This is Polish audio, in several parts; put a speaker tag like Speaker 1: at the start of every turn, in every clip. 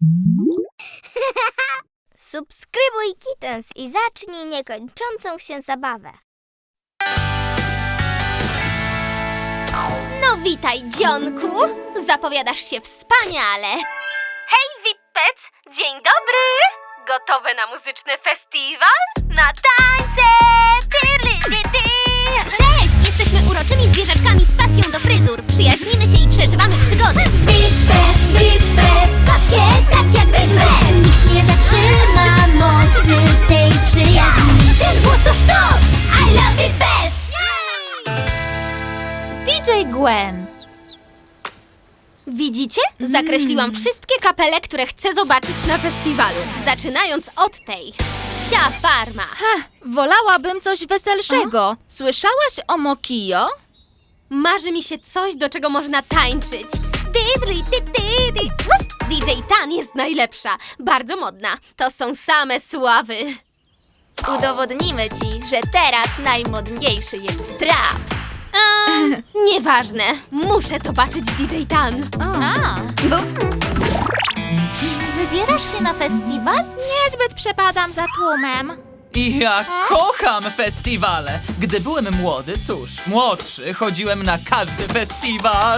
Speaker 1: Subskrybuj Kittens i zacznij niekończącą się zabawę.
Speaker 2: No witaj, dzionku! Zapowiadasz się wspaniale! Hej, Wippec! Dzień dobry! Gotowe na muzyczny festiwal? Na tańce! Cześć! Jesteśmy uroczymi zwierzaczkami z pasją do fryzur. Przyjaźnimy się i przeżywamy przygody.
Speaker 3: Wippec, Wippec, baw się tak jak Wippec. Nikt nie zatrzyma mocy tej przyjaźni. Ten głos to sztos! I love Wippec!
Speaker 2: DJ Gwen. Widzicie? Zakreśliłam wszystkie kapele, które chcę zobaczyć na festiwalu. Zaczynając od tej. Psia farma.
Speaker 4: Wolałabym coś weselszego. Słyszałaś o Mokio?
Speaker 2: Marzy mi się coś, do czego można tańczyć. DJ Tan jest najlepsza. Bardzo modna. To są same sławy.
Speaker 5: Udowodnimy ci, że teraz najmodniejszy jest trap.
Speaker 2: Nieważne. Muszę zobaczyć DJ Tan.
Speaker 1: Wybierasz się na festiwal?
Speaker 4: Niezbyt przepadam za tłumem.
Speaker 6: I ja kocham festiwale. Gdy byłem młody, młodszy, chodziłem na każdy festiwal.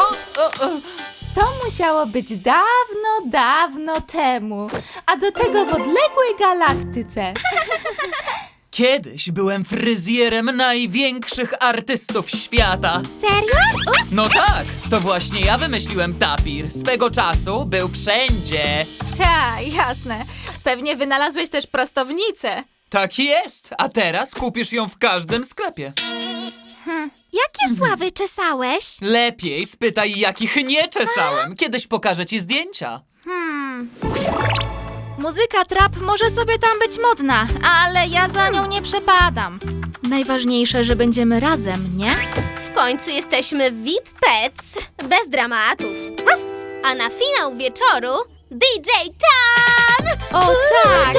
Speaker 7: To musiało być dawno, dawno temu, a do tego w odległej galaktyce.
Speaker 6: Kiedyś byłem fryzjerem największych artystów świata.
Speaker 4: Serio?
Speaker 6: No tak, to właśnie ja wymyśliłem tapir. Swego czasu był wszędzie.
Speaker 7: Tak, jasne. Pewnie wynalazłeś też prostownicę.
Speaker 6: Tak jest, a teraz kupisz ją w każdym sklepie.
Speaker 4: Jakie sławy czesałeś?
Speaker 6: Lepiej spytaj, jakich nie czesałem. Kiedyś pokażę ci zdjęcia.
Speaker 4: Muzyka trap może sobie tam być modna, ale ja za nią nie przepadam. Najważniejsze, że będziemy razem, nie?
Speaker 2: W końcu jesteśmy Wippec. Bez dramatów. A na finał wieczoru DJ Tan!
Speaker 4: O tak!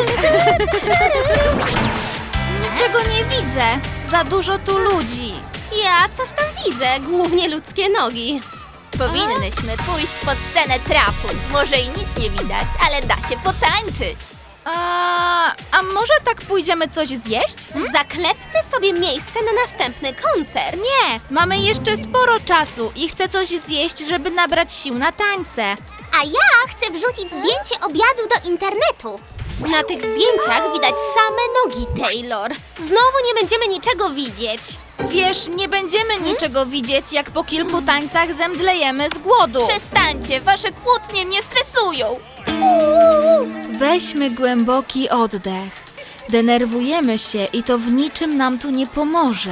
Speaker 4: Niczego nie widzę. Za dużo tu ludzi.
Speaker 2: Ja coś tam widzę, głównie ludzkie nogi.
Speaker 5: Powinnyśmy pójść pod scenę trapu. Może i nic nie widać, ale da się potańczyć.
Speaker 4: A może tak pójdziemy coś zjeść?
Speaker 2: Zaklepmy sobie miejsce na następny koncert.
Speaker 4: Nie, mamy jeszcze sporo czasu i chcę coś zjeść, żeby nabrać sił na tańce.
Speaker 1: A ja chcę wrzucić zdjęcie obiadu do internetu.
Speaker 2: Na tych zdjęciach widać same nogi, Taylor. Znowu nie będziemy niczego widzieć.
Speaker 4: Wiesz, nie będziemy niczego widzieć, jak po kilku tańcach zemdlejemy z głodu.
Speaker 5: Przestańcie, wasze kłótnie mnie stresują.
Speaker 4: Weźmy głęboki oddech. Denerwujemy się i to w niczym nam tu nie pomoże.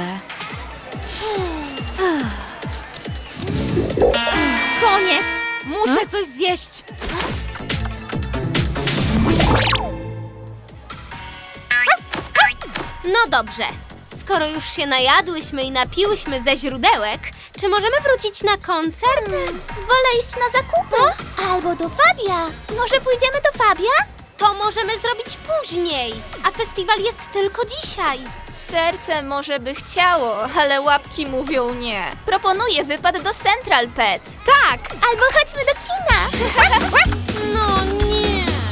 Speaker 4: Koniec! Muszę coś zjeść.
Speaker 2: No dobrze. Skoro już się najadłyśmy i napiłyśmy ze źródełek, czy możemy wrócić na koncert?
Speaker 1: Wolę iść na zakupy. Albo do Fabia. Może pójdziemy do Fabia?
Speaker 2: To możemy zrobić później, a festiwal jest tylko dzisiaj.
Speaker 5: Serce może by chciało, ale łapki mówią nie. Proponuję wypad do Central Pet.
Speaker 4: Tak!
Speaker 1: Albo chodźmy do kina.
Speaker 2: No nie.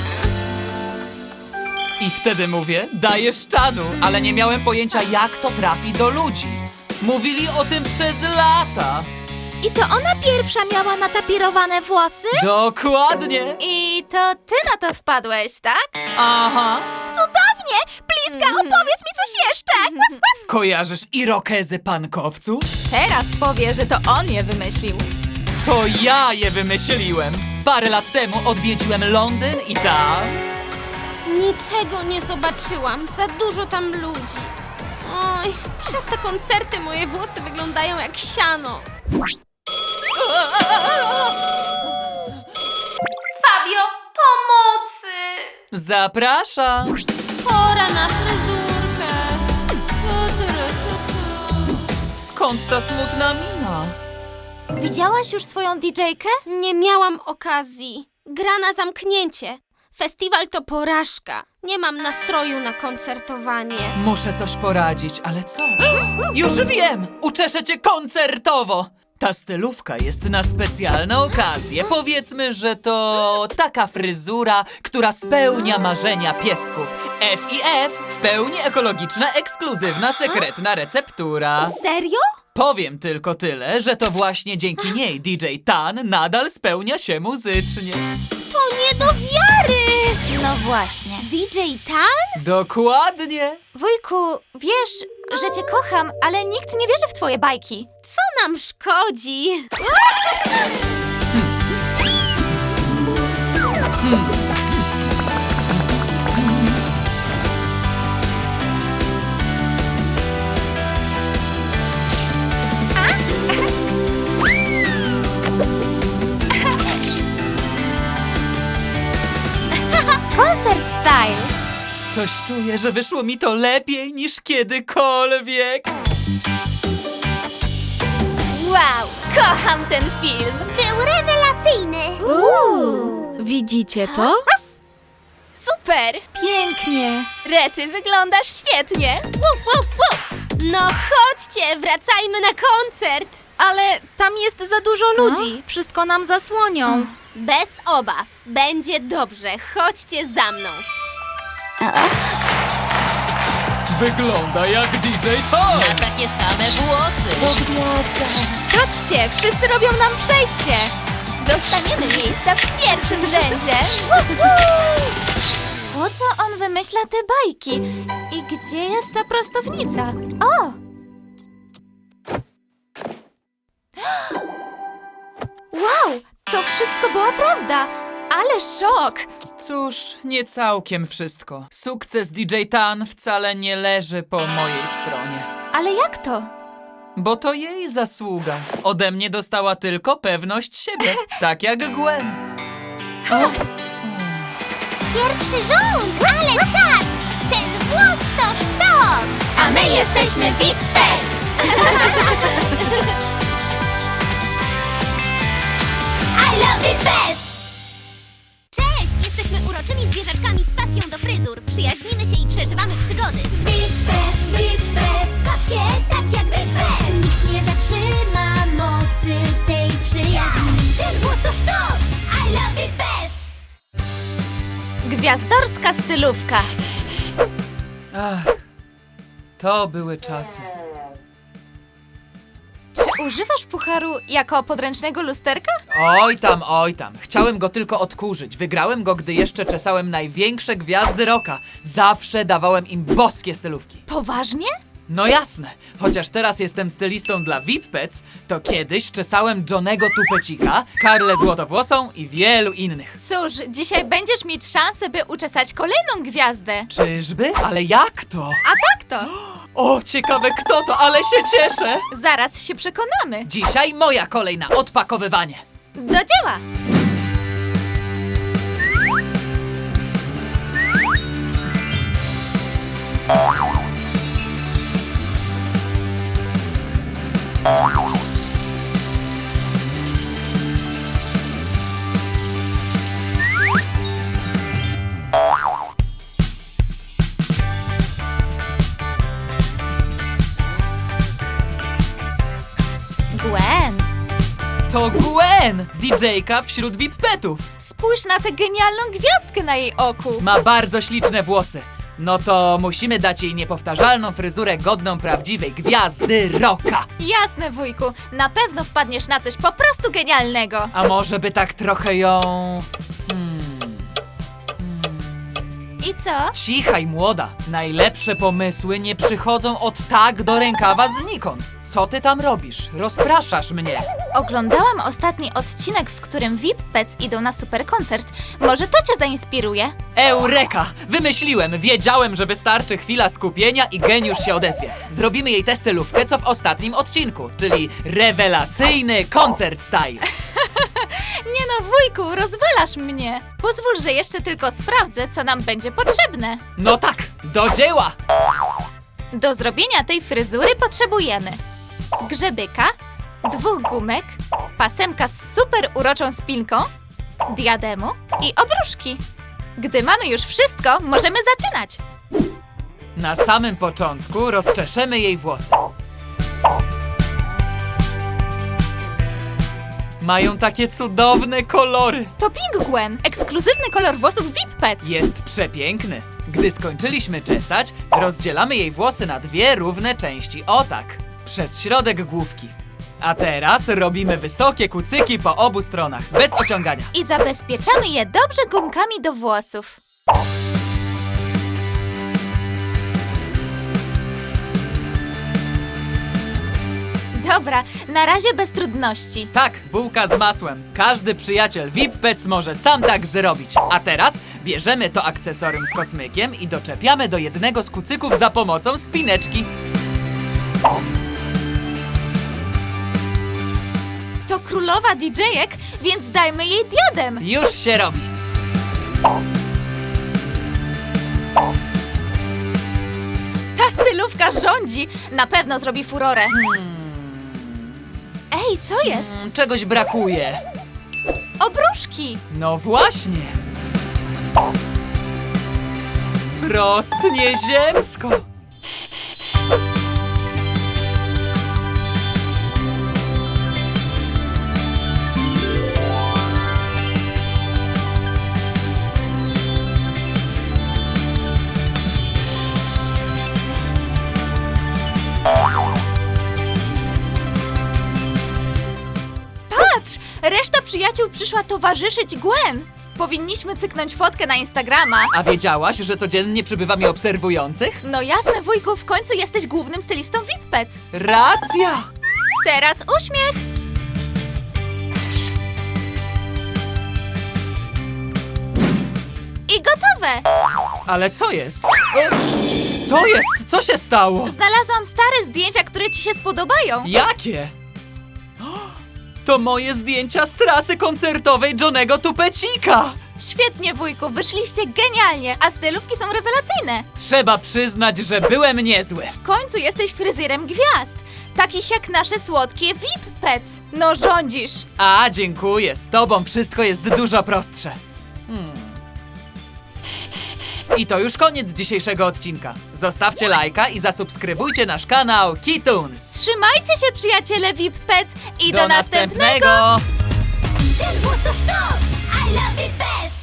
Speaker 6: I wtedy mówię, dajesz czadu, ale nie miałem pojęcia, jak to trafi do ludzi. Mówili o tym przez lata.
Speaker 4: I to ona pierwsza miała natapirowane włosy?
Speaker 6: Dokładnie.
Speaker 7: I to ty na to wpadłeś, tak?
Speaker 6: Aha.
Speaker 4: Cudownie! Bliska, opowiedz mi coś jeszcze!
Speaker 6: Kojarzysz irokezy pankowców?
Speaker 7: Teraz powie, że to on je wymyślił.
Speaker 6: To ja je wymyśliłem. Parę lat temu odwiedziłem Londyn i tam...
Speaker 2: Niczego nie zobaczyłam. Za dużo tam ludzi. Oj, przez te koncerty moje włosy wyglądają jak siano. Fabio, pomocy!
Speaker 6: Zapraszam.
Speaker 2: Pora na fryzurkę.
Speaker 6: Skąd ta smutna mina?
Speaker 2: Widziałaś już swoją DJ-kę? Nie miałam okazji. Gra na zamknięcie. Festiwal to porażka. Nie mam nastroju na koncertowanie.
Speaker 6: Muszę coś poradzić, ale co? Już wiem! Uczeszę cię koncertowo! Ta stylówka jest na specjalne okazje. Powiedzmy, że to taka fryzura, która spełnia marzenia piesków. F&F, w pełni ekologiczna, ekskluzywna, sekretna receptura.
Speaker 2: Serio?
Speaker 6: Powiem tylko tyle, że to właśnie dzięki niej DJ Tan nadal spełnia się muzycznie.
Speaker 2: To nie do wiary!
Speaker 5: No właśnie.
Speaker 2: DJ Tan?
Speaker 6: Dokładnie.
Speaker 5: Wujku, wiesz, że cię kocham, ale nikt nie wierzy w twoje bajki.
Speaker 2: Co nam szkodzi?
Speaker 5: Koncert style.
Speaker 6: Coś czuję, że wyszło mi to lepiej niż kiedykolwiek.
Speaker 5: Wow, kocham ten film.
Speaker 1: Był rewelacyjny.
Speaker 4: Widzicie to?
Speaker 5: Super.
Speaker 4: Pięknie.
Speaker 5: Rety, wyglądasz świetnie.
Speaker 2: No chodźcie, wracajmy na koncert.
Speaker 4: Ale tam jest za dużo ludzi. Wszystko nam zasłonią.
Speaker 2: Bez obaw, będzie dobrze. Chodźcie za mną.
Speaker 6: Wygląda jak DJ Tan.
Speaker 2: Takie same włosy.
Speaker 4: Chodźcie, wszyscy robią nam przejście.
Speaker 5: Dostaniemy miejsca w pierwszym rzędzie. Po co on wymyśla te bajki? I gdzie jest ta prostownica? O! Wow, to wszystko była prawda. Ale szok!
Speaker 6: Cóż, nie całkiem wszystko. Sukces DJ Tan wcale nie leży po mojej stronie.
Speaker 5: Ale jak to?
Speaker 6: Bo to jej zasługa. Ode mnie dostała tylko pewność siebie. Tak jak Gwen.
Speaker 1: Pierwszy rząd, ale czad! Ten włos to sztos! A my jesteśmy VIP Pets! I love it Pets! Cześć! Jesteśmy uroczymi zwierzaczkami z pasją do fryzur. Przyjaźnimy się i przeżywamy przygody. VIP Pets, baw się tak jak VIP Pets. Nikt nie zatrzyma mocy tej przyjaźni. Ten włos to sztos! I love it Pets!
Speaker 5: Gwiazdorska stylówka.
Speaker 6: Ach, to były czasy.
Speaker 5: Czy używasz pucharu jako podręcznego lusterka?
Speaker 6: Oj tam. Chciałem go tylko odkurzyć. Wygrałem go, gdy jeszcze czesałem największe gwiazdy rocka. Zawsze dawałem im boskie stylówki.
Speaker 5: Poważnie?
Speaker 6: No jasne, chociaż teraz jestem stylistą dla VIP Pets, to kiedyś czesałem Johnego Tupecika, Karlę Złotowłosą i wielu innych.
Speaker 5: Cóż, dzisiaj będziesz mieć szansę, by uczesać kolejną gwiazdę.
Speaker 6: Czyżby? Ale jak to?
Speaker 5: A tak to.
Speaker 6: O, ciekawe kto to, ale się cieszę!
Speaker 5: Zaraz się przekonamy.
Speaker 6: Dzisiaj moja kolej na odpakowywanie.
Speaker 5: Do dzieła! Gwen,
Speaker 6: To Gwen, DJ-ka wśród VIP Petów.
Speaker 5: spójrz na tę genialną gwiazdkę na jej oku.
Speaker 6: Ma bardzo śliczne włosy. No to musimy dać jej niepowtarzalną fryzurę godną prawdziwej gwiazdy rocka.
Speaker 5: Jasne, wujku, na pewno wpadniesz na coś po prostu genialnego.
Speaker 6: A może by tak trochę ją...
Speaker 5: I co?
Speaker 6: Cichaj, młoda. Najlepsze pomysły nie przychodzą od tak do rękawa znikąd. Co ty tam robisz? Rozpraszasz mnie.
Speaker 5: Oglądałam ostatni odcinek, w którym VIP Pets idą na super koncert. Może to cię zainspiruje?
Speaker 6: Eureka! Wymyśliłem! Wiedziałem, że wystarczy chwila skupienia i geniusz się odezwie. Zrobimy jej tę stylówkę, co w ostatnim odcinku, czyli rewelacyjny koncert style.
Speaker 5: Nie no, wujku, rozwalasz mnie. Pozwól, że jeszcze tylko sprawdzę, co nam będzie potrzebne.
Speaker 6: No tak, do dzieła!
Speaker 5: Do zrobienia tej fryzury potrzebujemy grzebyka, 2 gumek, pasemka z super uroczą spinką, diademu i obruszki. Gdy mamy już wszystko, możemy zaczynać.
Speaker 6: Na samym początku rozczeszemy jej włosy. Mają takie cudowne kolory.
Speaker 5: To Pink Gwen, ekskluzywny kolor włosów VIP Pets.
Speaker 6: Jest przepiękny. Gdy skończyliśmy czesać, rozdzielamy jej włosy na 2 równe części. O tak, przez środek główki. A teraz robimy wysokie kucyki po obu stronach, bez ociągania.
Speaker 5: I zabezpieczamy je dobrze gumkami do włosów. Dobra, na razie bez trudności.
Speaker 6: Tak, bułka z masłem. Każdy przyjaciel VIP Pets może sam tak zrobić. A teraz bierzemy to akcesorium z kosmykiem i doczepiamy do jednego z kucyków za pomocą spineczki.
Speaker 5: To królowa DJ-ek, więc dajmy jej diadem.
Speaker 6: Już się robi.
Speaker 5: Ta stylówka rządzi. Na pewno zrobi furorę. Ej, co jest?
Speaker 6: Czegoś brakuje.
Speaker 5: Obruszki.
Speaker 6: No właśnie. Wprost nieziemsko.
Speaker 5: Patrz, reszta przyjaciół przyszła towarzyszyć Gwen. Powinniśmy cyknąć fotkę na Instagrama.
Speaker 6: A wiedziałaś, że codziennie przybywa mi obserwujących?
Speaker 5: No jasne, wujku, w końcu jesteś głównym stylistą VIP Pets.
Speaker 6: Racja!
Speaker 5: Teraz uśmiech. I gotowe.
Speaker 6: Ale co jest? Co jest? Co się stało?
Speaker 5: Znalazłam stare zdjęcia, które ci się spodobają.
Speaker 6: Jakie? To moje zdjęcia z trasy koncertowej Johnego Tupecika!
Speaker 5: Świetnie, wujku, wyszliście genialnie, a stylówki są rewelacyjne.
Speaker 6: Trzeba przyznać, że byłem niezły.
Speaker 5: W końcu jesteś fryzjerem gwiazd, takich jak nasze słodkie VIP Pets. No rządzisz.
Speaker 6: A, dziękuję. Z tobą wszystko jest dużo prostsze. I to już koniec dzisiejszego odcinka. Zostawcie lajka i zasubskrybujcie nasz kanał Kitoons.
Speaker 5: Trzymajcie się, przyjaciele VIP Pets i do następnego.
Speaker 6: następnego.
Speaker 1: Ten włos to sztos! I love it best!